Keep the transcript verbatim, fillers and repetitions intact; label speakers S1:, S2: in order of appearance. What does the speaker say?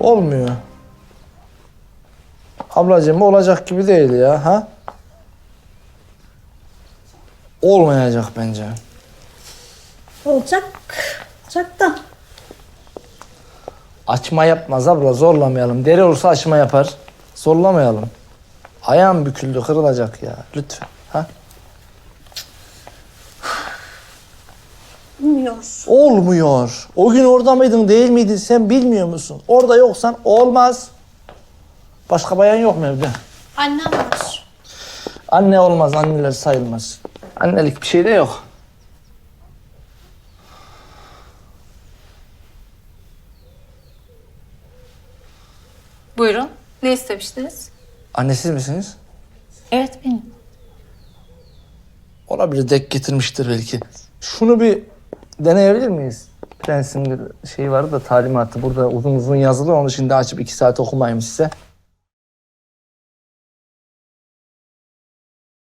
S1: Olmuyor. Ablacığım olacak gibi değil ya, ha? Olmayacak bence.
S2: Olacak. Olacak da.
S1: Açma yapmaz abla, zorlamayalım. Deri olsa açma yapar. Zorlamayalım. Ayağım büküldü, kırılacak ya. Lütfen, ha?
S2: Bilmiyor.
S1: Olmuyor. O gün orada mıydın, değil miydin sen bilmiyor musun? Orada yoksan olmaz. Başka bayan yok mu evde?
S2: Annem var.
S1: Anne olmaz, anneler sayılmaz. Annelik bir şey de yok.
S3: Buyurun. Ne istemiştiniz?
S1: Annesiz misiniz?
S3: Evet benim.
S1: Olabilir, dek getirmiştir belki. Şunu bir deneyebilir miyiz? Prensin bir şeyi vardı da talimatı burada uzun uzun yazılı. Onu şimdi açıp iki saat okumayayım size.